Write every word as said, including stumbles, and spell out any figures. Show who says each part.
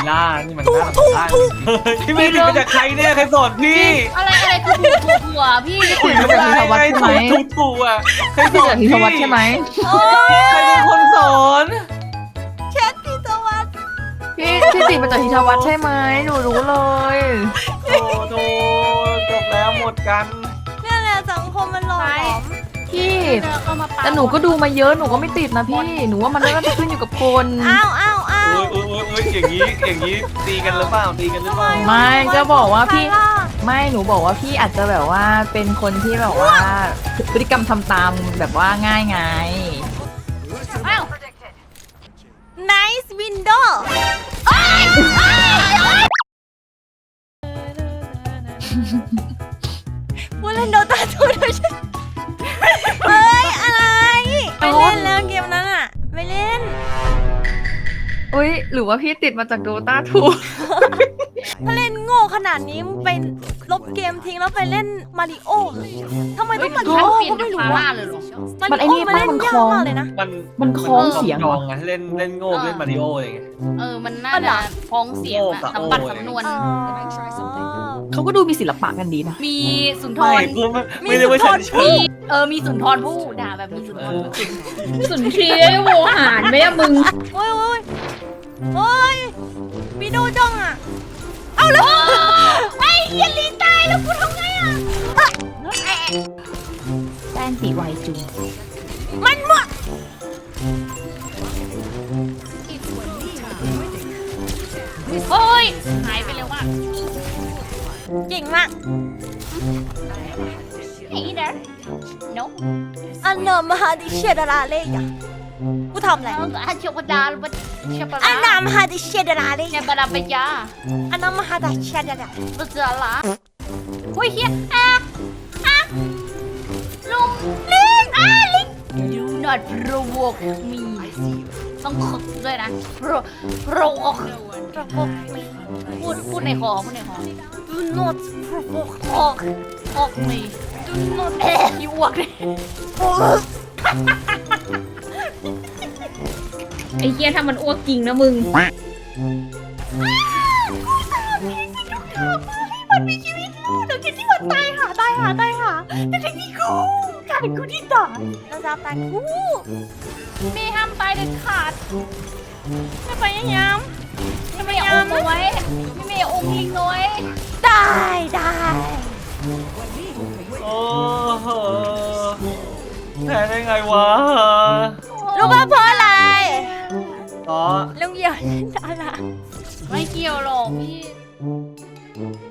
Speaker 1: ล่านี่มันน่าถูกถูกพี่เมย์ติดมาจากใครเนี่ยใครสอนพี่
Speaker 2: อะไรอะไรคือถูกถูกหัวพี่
Speaker 3: คุยกับธีรวัฒน์ใช่ไหม
Speaker 1: ถูกถูกอ่ะใครส
Speaker 3: พี่
Speaker 1: อน
Speaker 3: กับธีรวัฒน์ใช่ไหม
Speaker 1: ใครเป็นคนสอน
Speaker 4: เชฟธีรวัฒน์
Speaker 3: พี่พี่ติดมาจากธีรวัฒน์ใช่ไหมหนูรู้เลย
Speaker 1: โอ้โหจบแล้วหมดกัน
Speaker 4: นี่แหละสังคมมันหลอม
Speaker 3: พี่
Speaker 2: เอามาปา
Speaker 3: แต่หนูก็ดูมาเยอะหนูก็ไม่ติดนะพี่หนูว่ามันน่าจะขึ้นอยู่กับคน
Speaker 4: อ้าวอ้าวอ้าว
Speaker 1: โอ้ยโอ้ยโอ้ยอย่างนี้อย่างนี้ตีกันหรือเปล่าตีกันหรือเปล่า
Speaker 3: ไม่ก็บอกว่าพี่
Speaker 4: ใครล่ะ
Speaker 3: ไม่หนูบอกว่าพี่อาจจะแบบว่าเป็นคนที่แบบว่าพฤติกรรมทำตามแบบว่าง่ายไง
Speaker 2: อ้าว
Speaker 4: nice window พูดเล่นโดตาทูด้วยใช่เฮ้ยอะไรไปเล่นแล้วเกมนั้นอ่ะไปเล่น
Speaker 3: อุ้ยหรือว่าพี่ติดมาจากโดตาทู
Speaker 4: ถ้าเล่นโง่ขนาดนี้ไปลบเกมทิ้งแล้วไปเล่นมาริโอทำไมต้องมาริ
Speaker 2: ฉัน
Speaker 4: โอ
Speaker 2: เปลี่ยน
Speaker 4: ก็
Speaker 2: เป็น
Speaker 4: ไม่รู้
Speaker 2: ฟาร่า
Speaker 4: อะ
Speaker 2: เลยหรอ
Speaker 3: มันไอ้นี่
Speaker 4: มา
Speaker 3: ป้า
Speaker 4: เล่น
Speaker 3: มัน
Speaker 4: ยา
Speaker 3: ค
Speaker 4: ก
Speaker 3: ล้อง
Speaker 4: มากเลยนะ
Speaker 1: มัน
Speaker 3: มันคล้องเสียง
Speaker 1: จ
Speaker 3: เหร
Speaker 1: อ
Speaker 3: อง
Speaker 1: ไงเล่นเล่นโง่เล่นมาริโออะไรเงี้ย
Speaker 2: เออมันน่าจะพ้องเสียงอะสำบัดสำนวน
Speaker 4: อ๋อ
Speaker 3: เขาก็ดูมีศิลปะกันดีนะ
Speaker 2: มีสุนท
Speaker 1: ไม่
Speaker 2: ร
Speaker 1: กูไม่ไม่ได้ว่าฉันชอ
Speaker 2: มี
Speaker 1: บ
Speaker 2: เออมีสุนทรผู้ด่าแบบมีสุนทรผู้
Speaker 5: สุนทรีโวหารไหมอะมึง
Speaker 4: โอ้ยโอ้ยโอ้ยมีดูจ้องอ่ะเอาแล้วไอ้เหี้ยลีตายแล้วกูทำไงอ่ะ
Speaker 3: แป้นสีไวจุง
Speaker 4: มันมั่ว
Speaker 2: โอ้ยหายไปเร็วมาก
Speaker 4: เก่งมาก
Speaker 2: ไอ้เด้อ no
Speaker 4: อันเนอร์มหาดิเชดาราเล่ยะกูทำอะไร
Speaker 2: แล้วอาชวดาลบัชป
Speaker 4: อัน
Speaker 2: ลา
Speaker 4: นามหาดิเชดาราเล่
Speaker 2: เนี่ย
Speaker 4: ยะ
Speaker 2: บาราปยา
Speaker 4: อันนามหาดิเชดารา
Speaker 2: บุษราโอ้ยเฮียอ่ะอ่ะลุงลิงอ่ะลิง do not provoke me ต้องขึกด้วยนะ pro provoke
Speaker 4: ประพกมี
Speaker 2: พูดพูดในคอพูดในคอ
Speaker 4: do not provoke
Speaker 2: ออกออกมี
Speaker 4: do not
Speaker 2: เอ๊ะอีอ้วกเลย
Speaker 5: ไอ้เหี้ยถ้ามันอ้วกจริงนะมึง
Speaker 4: มันมีชีวิตลูกแต่คิดที่มันตายหาตายหาตายหาแต่ทีนี้กูกลายเป็นกูที่ตายเราจะตายกู
Speaker 2: มีห้ามตายเด็ดขาด
Speaker 4: ไม่ไปยังยาม
Speaker 2: ไม่มีองค์เอาไว้ไม่มีองค์ลิงเอาไว้
Speaker 4: ได้ได้
Speaker 1: โอ้โหแพ้ได้ไงวะ
Speaker 4: รู้ป่ะเพราะอะไร
Speaker 1: อ๋อ
Speaker 4: ลุงเหยียบเล่นดารา
Speaker 2: ไม่เกี่ยวหรอกพี่